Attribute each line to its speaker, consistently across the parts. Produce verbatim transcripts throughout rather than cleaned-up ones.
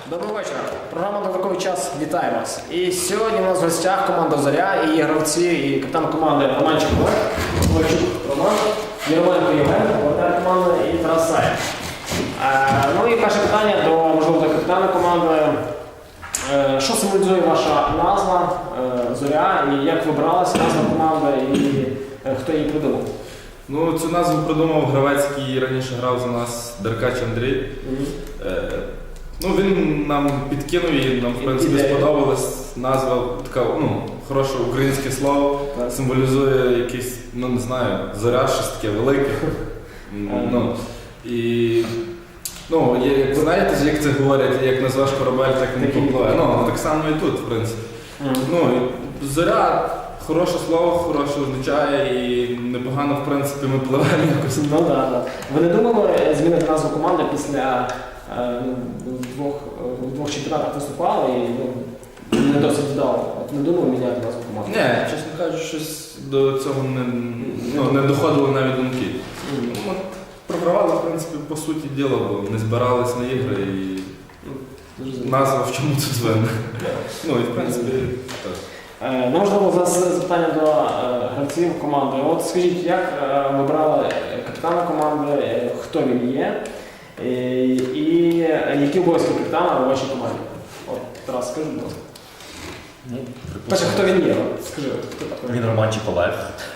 Speaker 1: Доброго вечора. Програма «Додатковий час» вітає вас. І сьогодні у нас в гостях команда «Зоря» і її гравці, і капітан команди Романчик Олег, Ковальчук Роман, Єрмоленко Євген, воротар команди і Тарас Саєв. Е, ну і перше питання до, можливо, до капітана команди. Е, що символізує ваша назва е, «Зоря» і як вибралася назва команди і е, хто її придумав?
Speaker 2: Ну, цю назву придумав гравець, який раніше грав за нас, Деркач Андрій. Mm-hmm. Е, ну, він нам підкинув і нам, в принципі, Ідея. сподобалась назва, така, ну, хороше українське слово, так. Символізує якийсь, ну, не знаю, зоря, щось таке велике. ну, і, ну, як ви знаєте, як це говорять, як назвеш корабель, так і не попливе. Ну, так само і тут, в принципі. Mm-hmm. Ну, і зоря. Хороше слово, хороше означає і непогано, в принципі, ми пливемо якось.
Speaker 1: Ну так, да, да. Ви не думали змінити назву команди після е, двох, двох чемпіонатів виступали і ну, не досить вдало? От не думали міняти назву команди?
Speaker 2: Ні, чесно кажучи, щось до цього не, ну, не доходило навіть думки. Mm. От, програвали, в принципі, по суті діла, бо не збирались на ігри і mm. назва в чому тут винна. Ну і в принципі, так.
Speaker 1: Е, ну, можливо, зараз запитання до е, гравців команди. От скажіть, як е, вибрали капітана команди, е, хто він є е, і які обов'язки капітана у вашій команді? От, Тарас, скажи, будь ласка.
Speaker 3: Ну,
Speaker 1: Перше, хто він є? От, скажи, хто такий?
Speaker 3: Він Романчик Олег.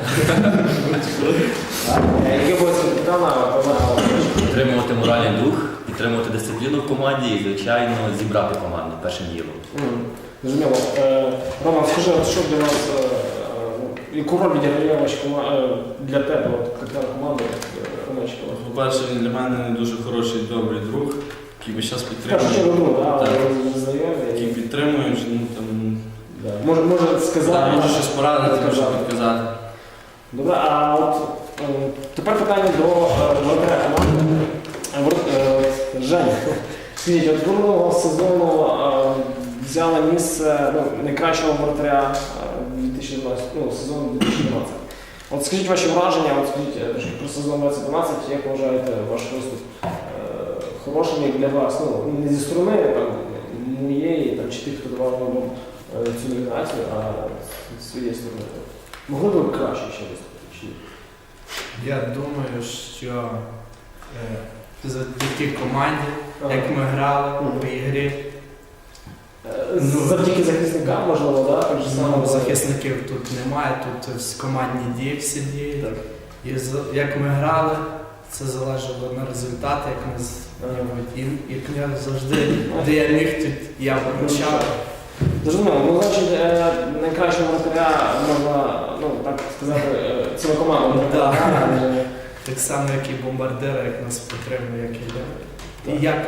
Speaker 1: Які обов'язки капітана вибрали?
Speaker 3: Підтримувати моральний дух, підтримувати дисципліну в команді і, звичайно, зібрати команду першим ділом.
Speaker 1: Зрозуміло. Роман, скажи, от що для вас, яку роль відіграє ваша команда для тебе, от капітан команди Романчик Олег?
Speaker 4: По-перше, він для мене дуже хороший, добрий друг, який весь час
Speaker 1: Перше, що
Speaker 4: підтримує.
Speaker 1: друг, так, знайомі.
Speaker 4: Який підтримує, ну, там,
Speaker 1: Може, може сказати,
Speaker 4: да, може щось порадити, може підказати.
Speaker 1: Добре, а от е, тепер питання до воротаря команди. Женя, скажіть, от минулого сезону е, взяли місце ну, найкращого воротаря дві тисячі дванадцятого, ну, сезону дві тисячі дванадцятого. От скажіть ваші враження, от скажіть про сезон двадцять дванадцять, як вважаєте ваш виступ е, хорошим як для вас? Ну, не зі сторони там, моєї там, чи тих, хто давав вам е, цю номінацію, а з своєї сторони. Могли б ви краще ще виступити? Чи ні?
Speaker 5: Я думаю, що е, завдяки команді, ага. як ми грали mm-hmm. по ігрі.
Speaker 1: Ну, завдяки захисникам, можливо, да? Так же само,
Speaker 5: ну, захисників тут немає, тут командні дії всі діють. Так. І з, як ми грали, це залежало на результат, як ми з ага. і, як я завжди, де я міг, тут я виручав.
Speaker 1: Зрозуміло, ну, значить, найкращого воротаря можна, ну, так сказати, ціла команда.
Speaker 5: Да. Так само, як і бомбардира, як нас підтримує, як і я. І як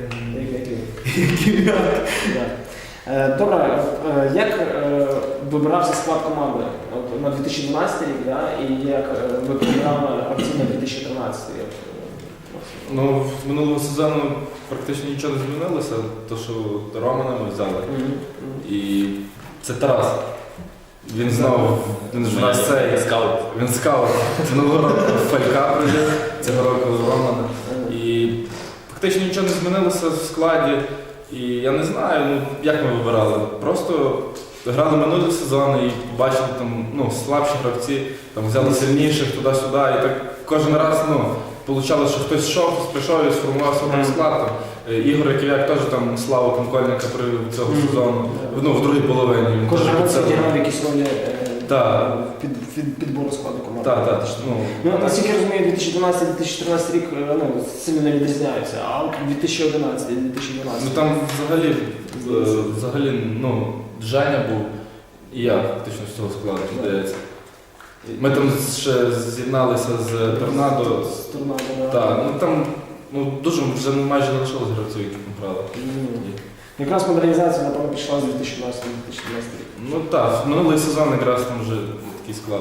Speaker 5: і
Speaker 1: я. Добре, як вибирався склад команди от, на дві тисячі дванадцятий рік, да? І як ви програли гравців на дві тисячі тринадцятий рік?
Speaker 2: Ну, з минулого сезону практично нічого не змінилося, то що Романа ми взяли. Mm-hmm. І це Тарас. Він знову, він ж в нас цей скаут. Він скаут. Минулого року Фалька прийде, цього року Романа. І фактично нічого не змінилося в складі. І я не знаю, ну, як ми вибирали. Просто грали минулі сезони і побачили там, ну, слабші гравці, там взяли сильніших туди-сюди. І так кожен раз, ну, получалось, що хтось йшов, прийшов і сформував свій склад. Там. Ігор Яків'як теж там славу Конкольника привів цього mm-hmm. сезону, ну, в другій половині.
Speaker 1: Кожен раз відіграв якісь ролі
Speaker 2: е,
Speaker 1: під, під, підбору складу команди.
Speaker 2: Так, так. Ну,
Speaker 1: ну, наскільки я розумію, дві тисячі дванадцятий - дві тисячі тринадцятий рік ну, сильно не відрізняються, а от дві тисячі одинадцятий - дві тисячі дванадцятий.
Speaker 2: Ну там взагалі, взагалі ну, Женя був і я фактично з цього складу, здається. Ми там ще з'єдналися з Торнадо.
Speaker 1: З Торнадо, так.
Speaker 2: Так, ну там ну, дуже вже майже не лишилось гравців, які ми грали.
Speaker 1: Mm. Якраз модернізація, напевно, пішла з дві тисячі дванадцятого - дві тисячі тринадцятого рік.
Speaker 2: Ну так, минулий сезон якраз там вже такий склад.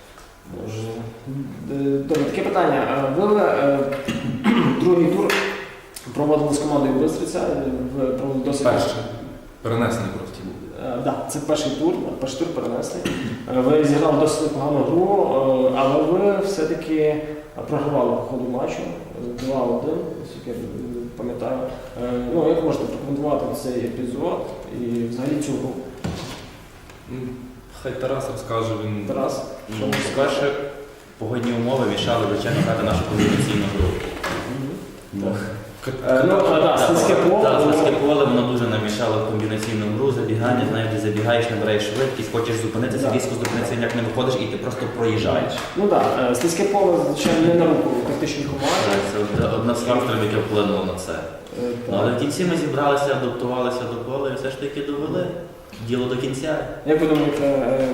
Speaker 1: Добре, таке питання. Ви е, другий тур проводили з командою Бистриця, ви проводили досить...
Speaker 2: Перший. Перенесений просто був.
Speaker 1: Так, да, це перший тур, перший тур перенесли. Ви зіграли досить непогану гру, але ви все-таки програвали по ходу матчу два один, пам'ятаю. Е, Ну, як можете прокоментувати цей епізод і взагалі цю гру?
Speaker 2: Ну, Хай Тарас розкаже, він
Speaker 1: Тарас, що
Speaker 3: Ну,
Speaker 1: можете
Speaker 3: По-перше, погодні умови мішали, звичайно, грати нашу комбінаційну гру. Ну,
Speaker 1: Е, Ну, а, да, слизьке поле.
Speaker 3: Так,
Speaker 1: воно-
Speaker 3: слизьке поле, воно дуже нам мішало в комбінаційну гру, забігання, знаєш, ти забігаєш, набираєш швидкість, хочеш зупинитися,
Speaker 1: Да.
Speaker 3: різко зупинитися, ніяк не виходиш і ти просто проїжджаєш.
Speaker 1: Ну так, да, слизьке поле, звичайно, не на руку тактичній команді.
Speaker 3: Це од- одна з факторів, яке вплинуло на це.
Speaker 1: Е,
Speaker 3: Ну, але
Speaker 1: так.
Speaker 3: в кінці ми зібралися, адаптувалися до поля і все ж таки довели діло до кінця.
Speaker 1: Як ви думаєте, е,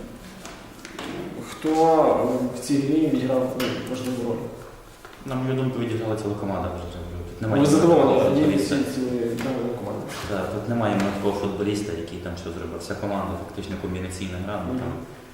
Speaker 1: хто в цій грі відіграв ну, важливу роль?
Speaker 3: На мою думку, відіграла ціла команда. Тут
Speaker 1: Ви
Speaker 3: немає
Speaker 1: задоволені
Speaker 3: ніякого
Speaker 1: однією
Speaker 3: футболіста.
Speaker 1: даною командою?
Speaker 3: Так, тут немає такого футболіста, який там що зробив. Вся команда фактично комбінаційна гра. Ну, там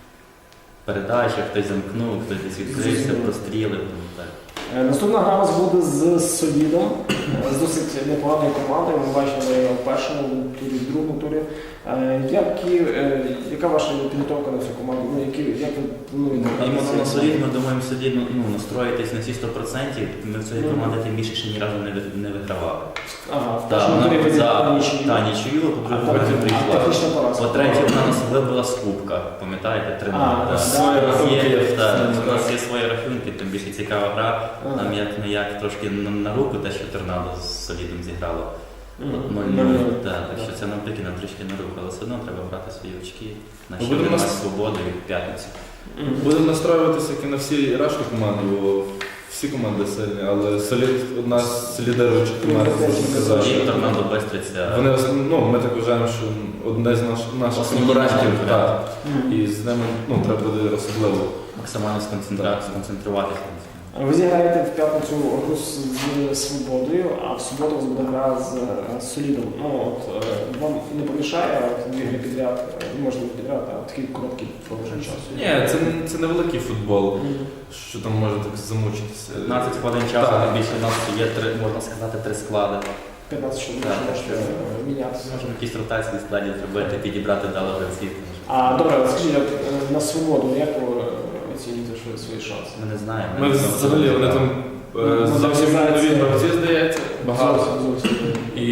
Speaker 3: передача, хтось замкнув, хтось десь відкрився,
Speaker 1: Зрозуміло.
Speaker 3: прострілив. ну, так.
Speaker 1: Е, Наступна гра у нас буде з Солідом, е, з досить непоганою командою. Ми бачили в першому турі, в другому турі. Е, Які, е, яка ваша підготовка на цю команду? Ну, які, як ви плануєте? грати
Speaker 3: Іменно
Speaker 1: з
Speaker 3: на
Speaker 1: цією
Speaker 3: солід ми думаємо собі ну, ну, настроїтись на всі сто відсотків. Ми в цій
Speaker 1: Мгм.
Speaker 3: команді тим більше ще ні разу не, ви- не вигравали.
Speaker 1: Ага, в
Speaker 3: Так,
Speaker 1: першому
Speaker 3: вона
Speaker 1: турі ви
Speaker 3: за
Speaker 1: зіграли нічию.
Speaker 3: та, нічию,
Speaker 1: А
Speaker 3: по-друге,
Speaker 1: потім-
Speaker 3: потім
Speaker 1: а
Speaker 3: прийшла.
Speaker 1: технічна поразка.
Speaker 3: По-третє, вона нас вибила з кубка, пам'ятаєте, три
Speaker 1: А,
Speaker 3: нуль.
Speaker 1: да,
Speaker 3: Так.
Speaker 1: да.
Speaker 2: Свої
Speaker 3: У нас є-
Speaker 2: рахунки.
Speaker 3: так,
Speaker 2: Так.
Speaker 3: У нас є свої рахунки, тим більше цікава гра.
Speaker 1: Ага.
Speaker 3: Нам як не як трошки на, на руку те, що торнадо з солідом зіграло.
Speaker 1: Мгм.
Speaker 3: нуль
Speaker 1: нуль
Speaker 3: нуль.
Speaker 1: нуль.
Speaker 3: Так, так що це навпаки нам трішки на руку, але все одно треба брати свої очки.
Speaker 2: Ну,
Speaker 3: Наші
Speaker 2: будемо
Speaker 3: нас
Speaker 2: нас-
Speaker 3: свободу і в п'ятницю.
Speaker 1: Мгм.
Speaker 2: Будемо настроюватися як і на всі решта команди, бо всі команди сильні, але Солід одна з лідеруючих команд, можна казати.
Speaker 3: І торнадо Бестриця.
Speaker 2: Вони, ну, ми так вважаємо, що одне з наш, наших
Speaker 3: Основні
Speaker 2: конкурентів,
Speaker 3: наші
Speaker 2: так.
Speaker 1: Мгм.
Speaker 2: І з ними ну, треба буде особливо.
Speaker 3: Максимально сконцентра- сконцентруватися.
Speaker 1: Ви зіграєте в п'ятницю гру з, з Свободою, а в суботу у вас буде гра з, е, з Солідом. Ну, от, е, вам не помішає от, дві гри підряд, е, не можна підряд, а такий короткий проміжок часу.
Speaker 2: Ні, це, це невеликий футбол,
Speaker 1: Мгм.
Speaker 2: що там може так замучитися.
Speaker 3: п'ятнадцять хвилин часу,
Speaker 2: Так.
Speaker 3: тим більше у нас є три, можна сказати, три склади.
Speaker 1: п'ятнадцять чоловік
Speaker 3: Так,
Speaker 1: можете
Speaker 3: так.
Speaker 1: е, мінятися.
Speaker 3: Можемо якісь ротації складів зробити, підібрати дало гравців.
Speaker 1: А добре, от скажіть, от, е, на Свободу, як ви е, оцінюєте свої, свої шанси?
Speaker 3: Ми не знаємо.
Speaker 2: Ми взагалі вони там е, зовсім нові гравці, здається, багато.
Speaker 1: Зовсім, зовсім.
Speaker 2: І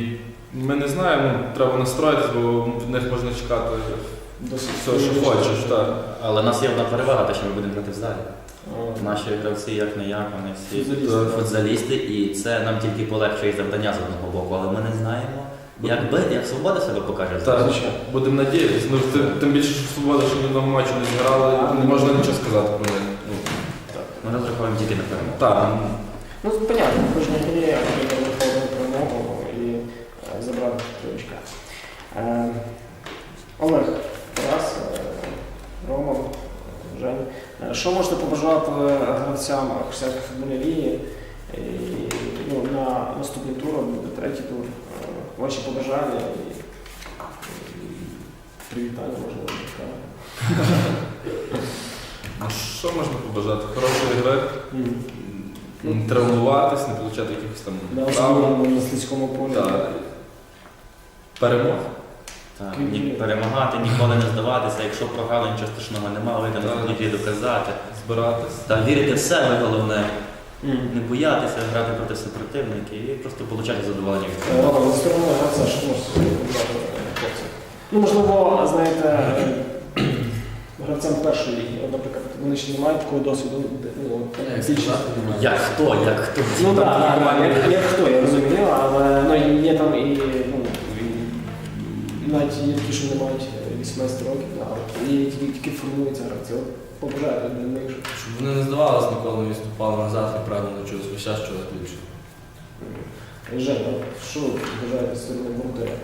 Speaker 2: ми не знаємо, ну, треба настроїтися, бо від них можна чекати
Speaker 1: Досить
Speaker 2: все, що хочеш. Так.
Speaker 3: Але в нас є одна перевага, те, що ми будемо грати в залі.
Speaker 1: Е,
Speaker 3: Наші гравці, як не як, вони всі
Speaker 1: Футзалісти.
Speaker 3: футзалісти, і це нам тільки полегшує завдання з одного боку, але ми не знаємо, як бити, як свобода себе покаже.
Speaker 2: Так,
Speaker 1: Звичайно.
Speaker 2: будемо надіятися. Ну, тим, тим більше, що свобода, що ні одного матчу не зіграли, не можна нічого сказати про них. Ну,
Speaker 3: Ми розраховуємо тільки на перемогу.
Speaker 2: так.
Speaker 1: Ну, понятно, в кожній грі треба виходити перемогу і е, забрати три очка. Е, Олег, Тарас, е, Роман, Жень. Е, Що можете побажати гравцям християнської футбольної ліги і, ну, на наступний тур, буде третій тур? Е, Ваші побажання і, і привітання, можливо, сказати.
Speaker 2: Ну, що можна побажати? Хорошої гри,
Speaker 1: Мгм.
Speaker 2: не травмуватись, не отримати якихось там
Speaker 1: На
Speaker 2: травм.
Speaker 1: особливому на слизькому полі.
Speaker 2: Так. Перемог.
Speaker 3: Так, ні, перемагати, ніколи не здаватися. Якщо програли, нічого страшного немає, вийдемо
Speaker 2: Так.
Speaker 3: на футболі доказати.
Speaker 2: Збиратись.
Speaker 3: Та вірити в себе головне,
Speaker 1: Мгм.
Speaker 3: не боятися грати проти супротивників і просто отримати задоволення від
Speaker 1: Е,
Speaker 3: цього.
Speaker 1: Роман, за сторону гравця, що можете побажати хлопцям? Ну, можливо, знаєте, е, гравцям першої ліги, от, наприклад, вони ще не мають такого досвіду. де, Ну, от, більше.
Speaker 3: Як хто, як хто?
Speaker 1: Ну так, так, так, як, як хто, я розумію, але ну, є там і, ну, і навіть є такі, що не мають вісімнадцять років, да, от, і тільки, тільки формуються гравці. От, побажаю для них, щоб
Speaker 4: Щоб вони не здавалися, ніколи не відступали назад і правильно чогось весь час чогось більше.
Speaker 1: Женя, от, що ви бажаєте з сторони воротаря?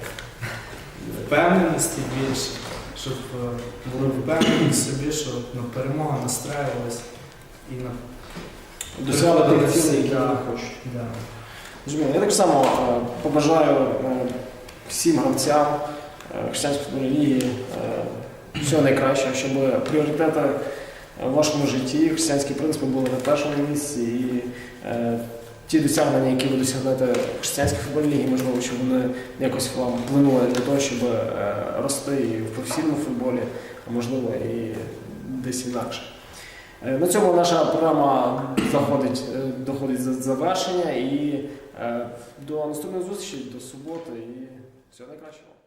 Speaker 5: Впевненості більше, щоб е, були впевнені в собі, що на перемогу настраювалися і на
Speaker 1: Досягли тих цілей, які
Speaker 5: Да.
Speaker 1: вони хочуть.
Speaker 5: да.
Speaker 1: Зрозуміло. Я так само е, побажаю е, всім гравцям е, християнської футбольної ліги е, всього найкращого, щоб пріоритети в вашому житті, християнські принципи були на першому місці. І е, ті досягнення, які ви досягнете в християнській футбольній лігі, можливо, щоб вони якось вам вплинули для того, щоб е, рости і в професійному футболі, а можливо і десь інакше. Е, На цьому наша програма заходить, е, доходить до завершення і е, до наступної зустрічі, до суботи і всього найкращого.